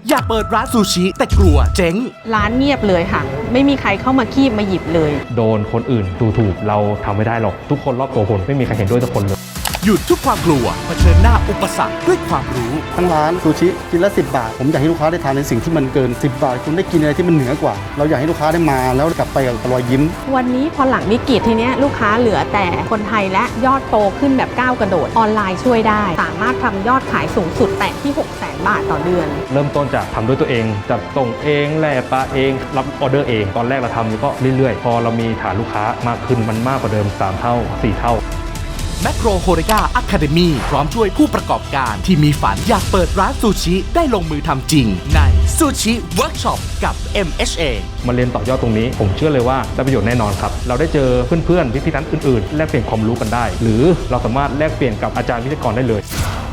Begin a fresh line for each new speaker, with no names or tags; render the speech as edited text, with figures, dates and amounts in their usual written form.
อยากเปิดร้านซูชิแต่กลัวเจ๊ง
ร้านเงียบเลยค่ะไม่มีใครเข้ามาคีบมาหยิบเลย
โดนคนอื่นดูถูกเราทำไม่ได้หรอกทุกคนรอบตัวคนไม่มีใครเห็นด้วยทุกคนเลย
หยุดทุกความกลัวเผชิญหน้าอุปสรรคด้วยความรู้
ทั้งร้านซูชิชิ้นละ10 บาทผมอยากให้ลูกค้าได้ทานในสิ่งที่มันเกิน10 บาทคุณได้กินอะไรที่มันเหนือกว่าเราอยากให้ลูกค้าได้มาแล้วกลับไปกับรอยยิ้ม
วันนี้พอหลังวิกฤตทีเนี้ยลูกค้าเหลือแต่คนไทยและยอดโตขึ้นแบบก้าวกระโดดออนไลน์ช่วยได้สามารถทำยอดขายสูงสุดแตะที่ 600,000 บาทต่อเดือน
เริ่มต้นจากทำด้วยตัวเองจัดส่งเองแล่ปลาเองรับออเดอร์เองตอนแรกเราทำก็เรื่อยๆพอเรามีฐานลูกค้ามากขึ้นมันมากกว่าเดิม3 เท่า 4 เท่า
แมคโครโฮเรกาอะคาเดมีพร้อมช่วยผู้ประกอบการที่มีฝันอยากเปิดร้านซูชิได้ลงมือทำจริงในซูชิเวิร์กช็อปกับ MHA
มาเรียนต่อยอดตรงนี้ผมเชื่อเลยว่าได้ประโยชน์แน่นอนครับเราได้เจอเพื่อนๆพี่ๆนั้นอื่นๆแลกเปลี่ยนความรู้กันได้หรือเราสามารถแลกเปลี่ยนกับอาจารย์วิทยากรได้เลย